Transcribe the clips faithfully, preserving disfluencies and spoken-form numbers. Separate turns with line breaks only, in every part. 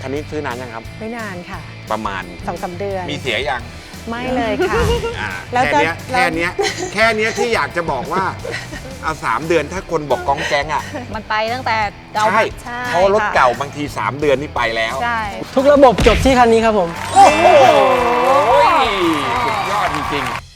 คันนี้ซื้อนานยังครับ
ไม่นานค่ะ
ประมาณ
สองสามเดือน
มีเสียยัง
ไม่เลยค่ะ
แล้วแค่นี้แค่นี้แค่นี้ที่อยากจะบอกว่าเอาสามเดือนถ้าคนบอกก้องแก๊งอ่ะ
มันไปตั้งแต่เก่า
ใช่เพราะรถเก่าบางทีสามเดือนนี่ไปแล้ว
ใช่
ทุกระบบจบที่คันนี้ครับผม
โอ้โหสุดยอดจริงๆ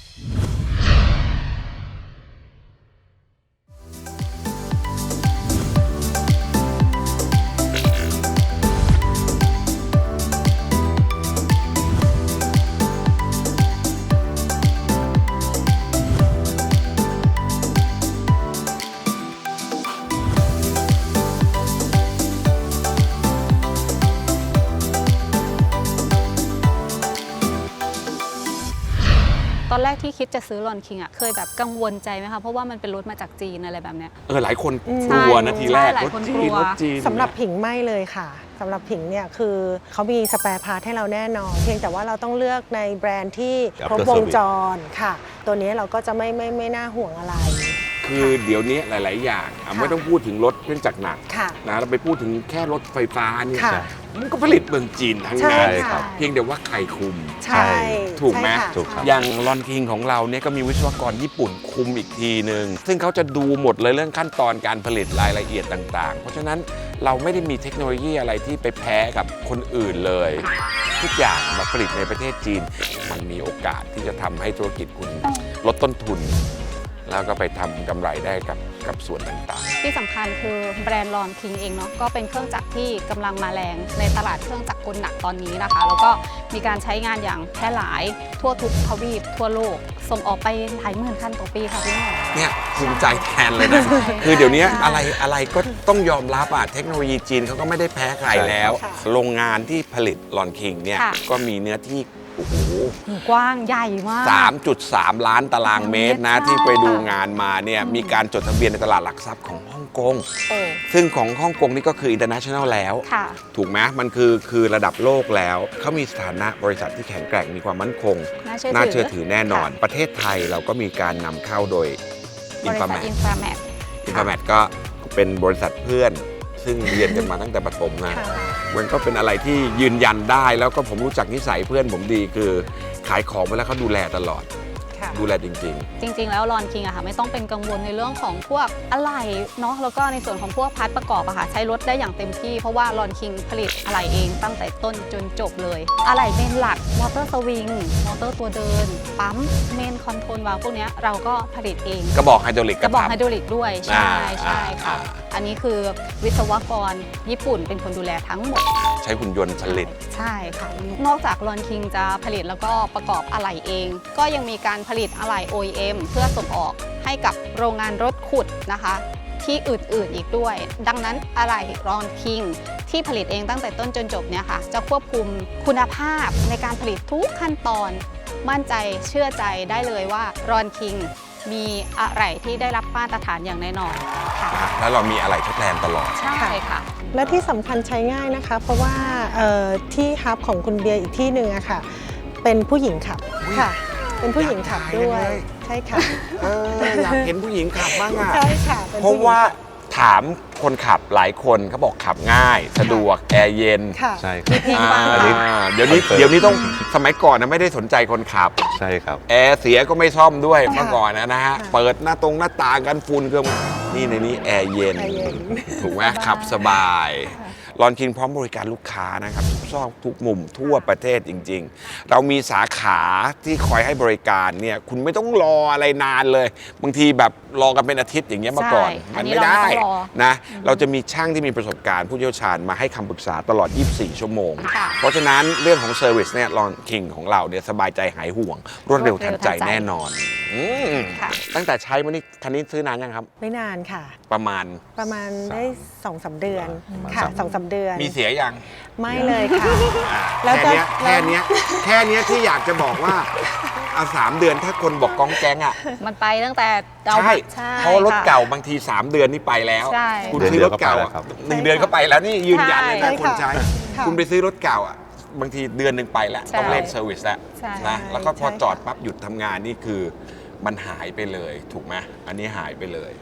ตอนแรกที่คิดจะซื้อลอนคิงอ่ะเคยแบบกังวลใจไหมคะเพราะว่ามันเป็นรถมาจากจีนอะไรแบบเนี้ย
เออหลายคนกลัวนะทีแรกรถจีนรถจีน
สำหรับผิงไม่เลยค่ะสำหรับผิงเนี่ยคือเขามีสแปร์พาร์ทให้เราแน่นอนเพียงแต่ว่าเราต้องเลือกในแบรนด์ที่ครบวงจรค่ะตัวนี้เราก็จะไม่ไม่ไม่น่าห่วงอะไร
คือเดี๋ยวนี้หลายๆอย่างไม่ต้องพูดถึงรถเครื่องจักรหนักนะเราไปพูดถึงแค่รถไฟฟ้าเนี่ยมันก็ผลิตเมืองจีนทั้งนั้นเพียงแต่ว่าใครคุม
ใช่
ถูกไหมอย่างลอนคิงของเราเนี่ยก็มีวิศวกรญี่ปุ่นคุมอีกทีหนึ่งซึ่งเขาจะดูหมดเลยเรื่องขั้นตอนการผลิตรายละเอียดต่างๆเพราะฉะนั้นเราไม่ได้มีเทคโนโลยีอะไรที่ไปแพ้กับคนอื่นเลยทุกอย่างมาผลิตในประเทศจีนมันมีโอกาสที่จะทำให้ธุรกิจคุณลดต้นทุนแล้วก็ไปทำกำไรได้กับกับส่วนต่าง
ๆที่สำคัญคือแบรนด์ลอนคิงเองเนาะก็เป็นเครื่องจักรที่กำลังมาแรงในตลาดเครื่องจักรกลหนักตอนนี้นะคะแล้วก็มีการใช้งานอย่างแพร่หลายทั่วทุกทวีปทั่วโลกส่งออกไปหลายหมื่นคันต่อปีค่ะพี่หมอ
เนี่ยภูมิใจแทนเลยนะคือเดี๋ยวนี้อะไรอะไรก็ต้องยอมรับอ่ะเทคโนโลยีจีนเขาก็ไม่ได้แพ้ใครแล้วโรงงานที่ผลิตลอนคิงเนี่ยก็มีเนื้อที่โอ้โห
กว้างใหญ่มาก
สามจุดสาม ล้านตารางเมตรนะที่ไปดูงานมาเนี่ยมีการจดทะเบียนในตลาดหลักทรัพย์ของฮ่องกงซึ่งของฮ่องกงนี่ก็คือ international แล้วถูกไหมมันคือคือระดับโลกแล้วเขามีสถานะบริษัทที่แข็งแกร่งมีความมั่นคงน่าเชื่อถือแน่นอนประเทศไทยเราก็มีการนำเข้าโดย
Inframat
Inframat ก็เป็นบริษัทเพื่อนซึ่งเรียนกันมาตั้งแต่ประถมนะมันก็เป็นอะไรที่ยืนยันได้แล้วก็ผมรู้จักนิสัยเพื่อนผมดีคือขายของไปแล้วเขาดูแลตลอดดูแลจริงๆ
จริงๆแล้วลอนคิงอะค่ะไม่ต้องเป็นกังวลในเรื่องของพวกอะไหล่เนาะแล้วก็ในส่วนของพวกพาร์ทประกอบอะค่ะใช้รถได้อย่างเต็มที่เพราะว่าลอนคิงผลิตอะไหล่เองตั้งแต่ต้นจนจบเลยอะไหล่เมนหลักมอเตอร์สวิงมอเตอร์ตัวเดินปั๊มเมนคอนโทรลวาล์วพวกนี้เราก็ผลิตเอง
กระบอกไฮดรอลิก
กระบอกไฮดรอลิกด้วยใช่ใช่ค่ะอันนี้คือวิศวกรญี่ปุ่นเป็นคนดูแลทั้งหมด
ใช้หุ่นยนต์ผลิต
ใช่ค่ะนอกจากลอนคิงจะผลิตแล้วก็ประกอบอะไหล่เองก็ยังมีการผลิตอะไหล่ โอ อี เอ็ม เพื่อส่งออกให้กับโรงงานรถขุดนะคะที่อื่นๆอีกด้วยดังนั้นอะไหล่ลอนคิงที่ผลิตเองตั้งแต่ต้นจนจบเนี่ยค่ะจะควบคุมคุณภาพในการผลิตทุกขั้นตอนมั่นใจเชื่อใจได้เลยว่าลอนคิงมีอะไรที่ได้รับมาตรฐานอย่างแน่นอนค่ะ
แล้วเรามีอะไรทดแทนตลอด
ใช่ค่ะ
และที่สำคัญใช้ง่ายนะคะเพราะว่าที่ฮับของคุณเบียร์อีกที่หนึ่งอะค่ะเป็นผู้หญิงขับค่ะเป็นผู้หญิงขับด้วยใช่ค่ะ
อยากเห็นผู้หญิงขับบ้างอะ
ใช่ค่ะ
เพราะว่าถามคนขับหลายคนเขาบอกขับง่ายสะดวกแอร์เย็น
ใช่
เดี๋ยวนี้เดี๋ยวนี้ต้องสมัยก่อนนะไม่ได้สนใจคนขับ
ใช่ครับ
แอร์เสียก็ไม่ซ่อมด้วยเมื่อก่อนนะฮะเปิดหน้าตรงหน้าต่างกันฝุ่นเครื่องนี่ในนี้แอร์เย็นถูกไหมขับสบายลอนคิงพร้อมบริการลูกค้านะครับทุกซอกทุกมุมทั่วประเทศจริงๆเรามีสาขาที่คอยให้บริการเนี่ยคุณไม่ต้องรออะไรนานเลยบางทีแบบรอกันเป็นอาทิตย์อย่างเงี้ยมาก่อนมันไม่ได้นะเราจะมีช่างที่มีประสบการณ์ผู้เชี่ยวชาญมาให้คำปรึกษาตลอดยี่สิบสี่ชั่วโมงเพราะฉะนั้นเรื่องของเซอร์วิสเนี่ยลอนคิงของเราเนี่ยสบายใจหายห่วงรวดเร็วทันใจแน่นอนตั้งแต่ใช้มานี่คันนี้ซื้อนานยังครับ
ไม่นานค่ะ
ประมาณ
ประมาณได้สองสามเดือนค่ะสองสามเดือน
มีเสียยัง
ไม่เลยค่ะ
แล้วแค่นี้แค่นี้แค่นี้ที่อยากจะบอกว่าเอาสามเดือนถ้าคนบอกก้องแก๊งอ่ะ
มันไปตั้งแต่
เก่าใช่เพราะรถเก่าบางทีสามเดือนนี่ไปแล้วคุณซื้อรถเก่าหนึ่งเดือนก็ไปแล้วนี่ยืนยันเลยนะคนใช้คุณไปซื้อรถเก่าอ่ะบางทีเดือนหนึ่งไปแล้วต้องเล่นเซอร์วิสแล้วนะแล้วก็พอจอดปั๊บหยุดทำงานนี่คือมันหายไปเลยถูกไหมอันนี้หายไปเลย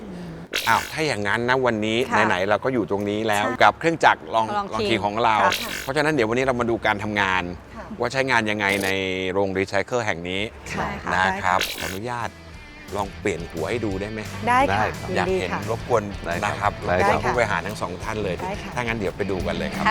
อ้าวถ้าอย่างนั้นนะวันนี้
ค่ะ
ไหนๆเราก็อยู่ตรงนี้แล้ว
ใช่
กับเครื่องจักรลอง
ลอง
ลอง
คิง
คิงของเรา
ค่ะ
เพราะฉะนั้นเดี๋ยววันนี้เรามาดูการทำงาน
ค่ะ
ว่าใช้งานยังไงในโรงรีไซเคิลแห่งนี้
ใช่ค่ะ
นะครับขออนุญาตลองเปลี่ยนหัวให้ดูได้ไหม
ได้ค่ะ
อย
ยิ
าก
นดี
เห็น
ค่ะ
รบกวน
ได้ครับ
นะครับ
ได้
รบกวน
ค่ะ
ผู้บริหารทั้งสองท่านเลย
ได้ค่ะ
ถ้างั้นเดี๋ยวไปดูกันเลยครับ
ค่ะ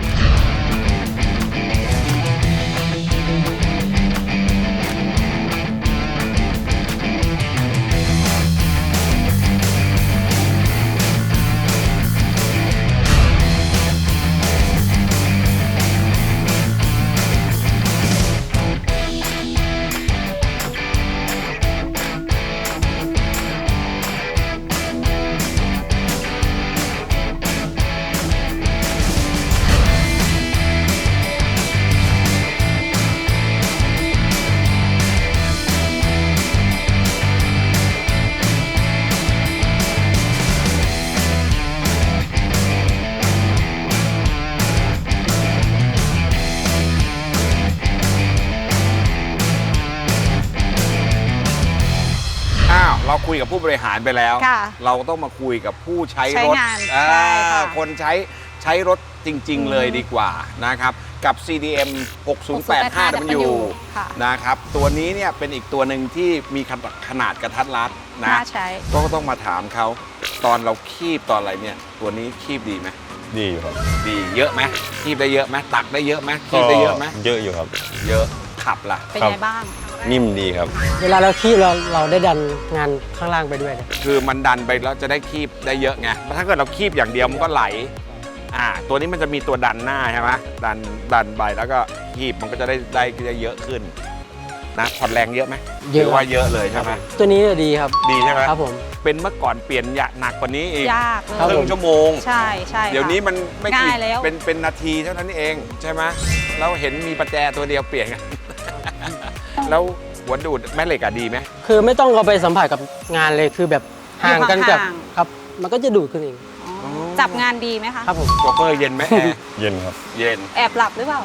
อ้าวเราคุยกับผู้บริหารไปแล้ว
ค่ะ
เราต้องมาคุยกับผู้ใช้
ใช้
รถ
งาน
อ่า
ใช่ค่ะ
คนใช้ใช้รถจริง ๆ เลยดีกว่านะครับกับ ซี ดี เอ็ม หกศูนย์แปดห้า ดับเบิลยู
ค่ะ
นะครับตัวนี้เนี่ยเป็นอีกตัวหนึ่งที่มีขนาดกระทัดรัดนะ
น่าใช้
ก็ต้องมาถามเขาตอนเราคีบตอนอะไรเนี่ยตัวนี้คีบดีไหม
ดีอยู่ครับ
ดีเยอะไหมคีบได้เยอะไหมตักได้เยอะไหมคีบได้เยอะไหม
เยอะอยู่ครับ
เยอะขับล่ะ
เป็น
ครับ
ไงบ้าง
นิ่มดีครับ
เวลาเราคีบเราเราได้ดันงานข้างล่างไปด้วยนะ
คือมันดันไปแล้วจะได้คีบได้เยอะไงถ้าเกิดเราคีบอย่างเดียวมันก็ไหลอ่าตัวนี้มันจะมีตัวดันหน้าใช่ไหมดันดันไปแล้วก็คีบมันก็จะได้ได้ได้เยอะขึ้นนะผ่อนแรงเยอะไหม
เยอะ
หรือว่าเยอะเลยใช่ไหม
ตัวนี้ดีครับ
ดีใช่ไหม
ครับผม
เป็นเมื่อก่อนเปลี่ยนยะหนักกว่านี้อีก
ยากเล
ครับ
ค
ย
รึ่งชั่วโมง
ใช่ใช่ค่ะ
เดี๋ยวนี้มันไม่กี่
ง่ายแล้ว
เป็นเป็นนาทีเท่านั้นเองใช่ไหมเราเห็นมีประแจตัวเดียวเปลี่ยนกัน แล้วหัวดูดแม่เหล็กอะดีไหม
คือไม่ต้องเอาไปสัมผัสกับงานเลยคือแบบห่างกันกับ
ห่าง
ครับ มันก็จะดูดขึ้นเอง
อ๋อจับงานดีไหมคะ
ครับผม
โชเฟอร์เย็นไหมแอร์
เย็นครับ
เย็น
แอบหลับหรือเปล่า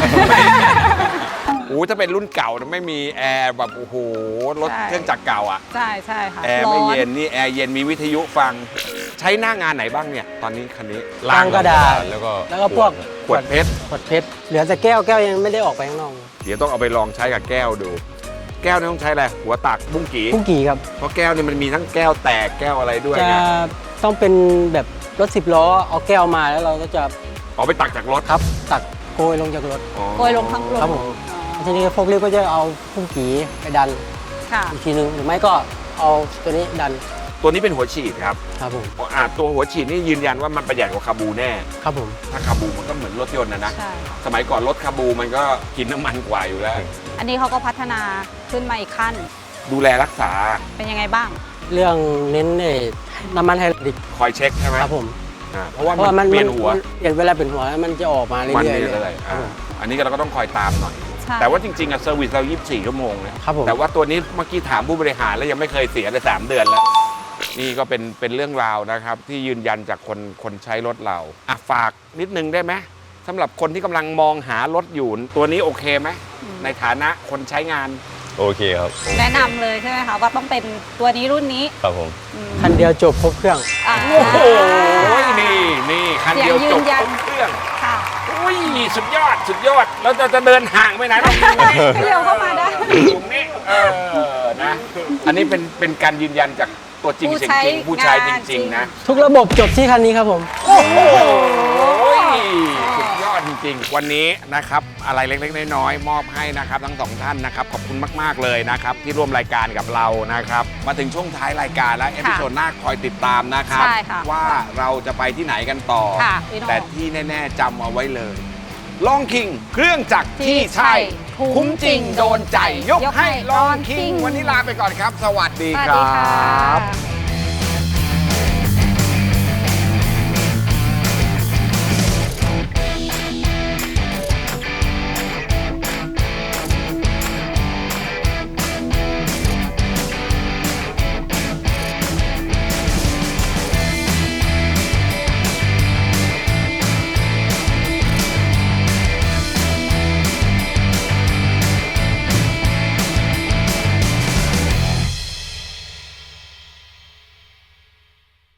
โอ้ถ้าเป็นรุ่นเก่านะไม่มีแอร์แบบโอ้โหรถ
ใช่
เครื่องจักรเก่าอ่ะ
ใช่ใช่ค่ะ
แอร์
ร้
ไม่
อน
เย็นนี่แอร์เย็นมีวิทยุฟัง ใช้หน้างานไหนบ้างเนี่ย ตอนนี้คันนี้
ล้างกระดาษ
แล้วก็
แล้วก็พวก
ขวดเพชร
ขวดเพชรเหลือแต่แก้วแก้วยังไม่ได้ออกไปข้างนอก
เดี๋ยวต้องเอาไปลองใช้กับแก้วดู แก้วนี่ต้องใช้อะไรหัวตักบุ้งกี่
พุ่งกี่ครับ
เพราะแก้วนี่มันมีทั้งแก้วแตกแก้วอะไรด้วย
จะ
ไง
ต้องเป็นแบบรถสิบล้อเอาแก้วมาแล้วเราก็จะ
เอาไปตักจากรถ
ครับตักโกยลงจากรถ
อ๋อ
โกยลงทั้งลง
ครับผม
อ๋อ
ทีนี้พวกเรียกก็จะเอาพุ่งกี่ไปดัน
ค่ะ
อีกทีหนึงหรือไม่ก็เอาตัวนี้ดัน
ตัวนี้เป็นหัวฉีดครับ
ครับผม
อ่าตัวหัวฉีดนี่ยืนยันว่ามันประหยัดกว่าคาบูแน่
ครับผม
ถ้าคาบูมันก็เหมือนรถยนต์นะนะ
ใช่ค่ะ
สมัยก่อนรถคาบูมันก็กินน้ำมันกว่าอยู่แล้ว
อันนี้เขาก็พัฒนาขึ้นมาอีกขั้น
ดูแลรักษา
เป็นยังไงบ้าง
เรื่องเน้นเอ่อน้ำมันไฮดรอลิก
คอยเช็คใช่ไหม
ครับผม
อ่าเพราะว่า
เพราะว่า
มั
มัน น
เปลี่ยนหัว
มันเปลี่ยนเวลาเปลี่ยนหัวแล้วมันจะออกมาเรื่
มัน
อยๆ
เรื่
เล
อย
ย
ๆ
ครับ
อ่า
ผม
อันนี้ก็เราก็ต้องคอยตามหน่อย
ใช่
แต่ว่าจริงๆอะเซอร์วิสเรายี่สิบสี่ชั่วโมงนะครับ
ผม
แต่ว่าตัวนี้เมื่อกี้ถามผู้บริหารแล้วยังไม่เคยเสียเลยสามเดือนแล้ว นี่ก็เป็นเป็นเรื่องราวนะครับ ที่ยืนยันจากคนคนใช้รถเราอ่ะฝากนิดนึงได้ไหมสำหรับคนที่กำลังมองหารถอยู่ตัวนี้โอเคไหมในฐานะคนใช้งาน
โอเคครับ
แนะนำเลยใช่ไหมคะว่าต้องเป็นตัวนี้รุ่นนี้
ครับผม
อืม
คันเดียวจบครบเครื่อง
อ่า
โอ้โหนี่นี่คันเดียว
เสียงยื
จ
น
บ
ยัน
ครบเครื่อง
ค่ะ
อุ้ยสุดยอดสุดยอดแล้วจะจะเดินห่างไปไหนเรา
เร็วเข้ามาได้
ตรงนี้เออนะ อันนี้เป็นเป็นการยืนยันจากตัวจริง
ผู้
เสียง
ใช้
จริงผู้ใช้จ
งาน
ริง ๆ นะ
ทุกระบบจบที่คันนี้ครับผม
โอ้โหสุดยอดจริง ๆ วันนี้นะครับอะไรเล็กๆน้อยๆมอบให้นะครับทั้งสองท่านนะครับขอบคุณมากๆเลยนะครับที่ร่วมรายการกับเรานะครับมาถึงช่วงท้ายรายการแล้วเอพิโซดหน้าคอยติดตามนะครับ
ใช่ค่ะ
ว่าเราจะไปที่ไหนกันต่อ
ค่ะพี่โน่
แต่ที่แน่ๆจำเอาไว้เลยลองคิงเครื่องจักรที่
ที่
ใช่
ใช่
คุ้มจริงโดนใจ ยก
ยก
ให้
ให้
ลอง
ลองคิ
คิง
ง
วันนี้ลาไปก่อนครับ สวัสดี
สวัส
คร
ดีค่ะ
ับ